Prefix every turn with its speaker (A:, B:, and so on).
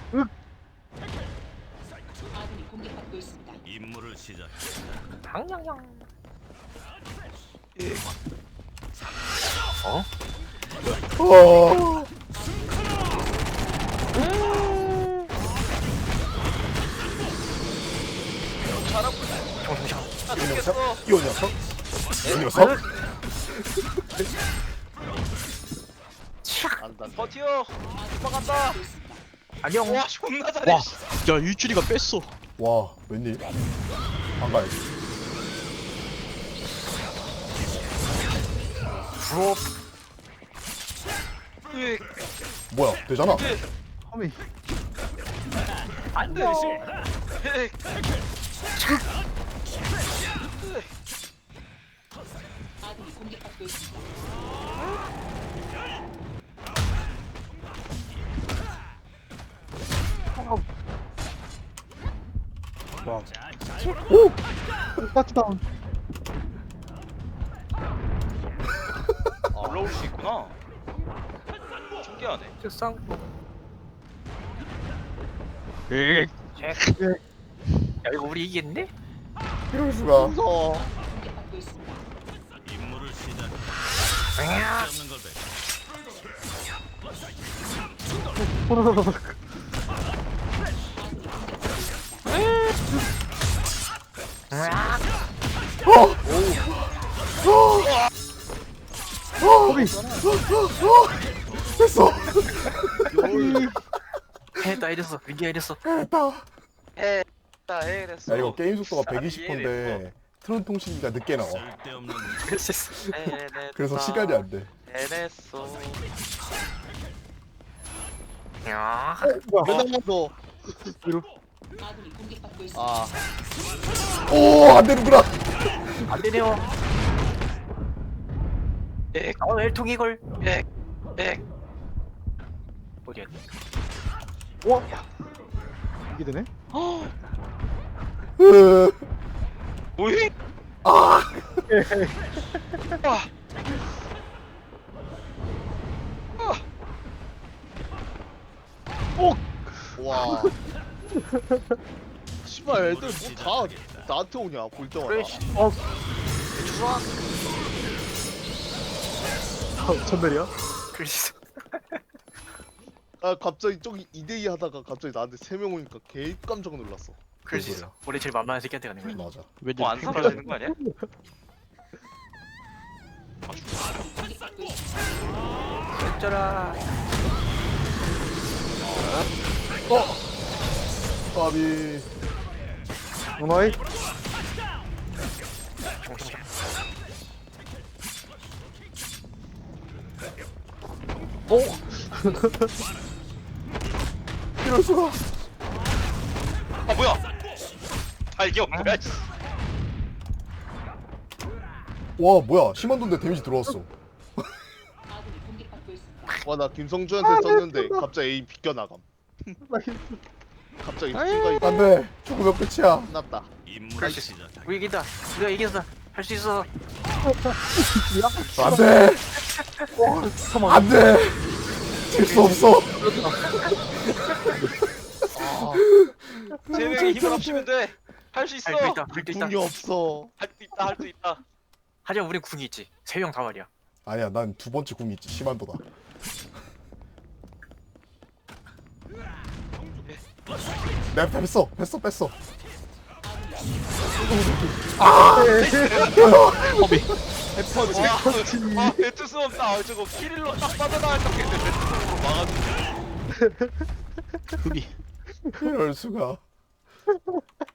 A: 아군이 공격받고 있습니다.
B: 임무를 시작.
C: 당냥냥.
D: 어. 이 녀석, 이 녀석, 이 녀석.
E: 안다. 버티어. 도망간다.
C: 안녕.
E: 와 존나 잘해.
F: 와, 야 일주리가 뺐어.
D: 와, 웬일? 안 가야지.
C: 부럽.
E: 으,
D: 뭐야, 되잖아.
C: 허미. 안녕.
E: 으,
A: 아군이 공격받고 있습니다.
C: 와. 오. 파트다운.
E: 올라올 수 있구나. 신기하네.
C: 책상.
F: 에이,
C: 야 이거 우리 이기겠네?
D: 이럴 수가.
E: 무서워.
A: 공격받고 있습니다.
B: 임무를 시작.
C: 야.
B: 없는 걸 배.
D: 됐어.
C: 해다 이랬어. 위기야 이랬어.
D: 됐다.
E: 나 해냈어.
D: 야, 이거 게임 속도가
E: 아,
D: 120%인데 트론 통신기가 늦게 나와.
B: 쓸데없는
C: 그랬어.
E: 해냈다.
D: 그래서 시간이 안 돼.
E: 해냈어.
C: 야.
E: 맨날 너.
A: 아군이 공격받고 있습니다.
E: 아.
D: 오, 안 되는구나.
C: 안 되네요.
E: 엑.
C: 엘통 이걸.
E: 엑. 엑.
C: 어디야?
F: 이게 되네?
D: 으,
E: 뭐해?
D: 아,
E: 아. 와. 씨발 애들 뭐 다 나한테 오냐 볼 때마다.
C: 그래.
F: 천별이야?
C: 그랬어.
E: 아 갑자기 저기 2대2 하다가 갑자기 나한테 3명 오니까 개 깜짝 놀랐어.
C: 그랬어. 우리 제일 만만한 새끼한테 가는 거야.
D: 맞아.
F: 왠지
E: 뭐안 사라지는 거 아니야?
A: 공격받고 있습니다.
C: 어쩌라.
D: 까비.
F: 오마이?
D: 이럴 수가.
E: 아 뭐야? 아 이게 뭐야? 씨.
D: 와, 뭐야? 심한 돈데 데미지 들어왔어.
A: 아군이 공격받고 있습니다.
E: 와나 김성주한테 썼는데 갑자기 A 비껴나감. 갑자기 순간
D: 안 돼. 죽으면 끝이야.
E: 끝났다.
B: 임무를 시작.
C: 우리 이긴다. 우리가 이겼어. 할 수 있어.
D: 안 돼. 안 돼. 질 수 없어.
E: 세 명이 힘을 합치면 돼. 할 수 있어.
C: 할 수 있다. 할 수 있다.
E: 궁이 없어. 할 수 있다. 할 수 있다.
C: 하지만 우린 궁이 있지. 세 명 다 말이야.
D: 아니야, 난 두 번째 궁이 있지. 심한도다. 내가 뺐어. 뺐어.
E: 와, 배트 수 없다. 아, 저거 키릴로 딱 빠져나갈 딱 했는데 배트로 막아주네.
F: 흡이.
D: 이럴 수가.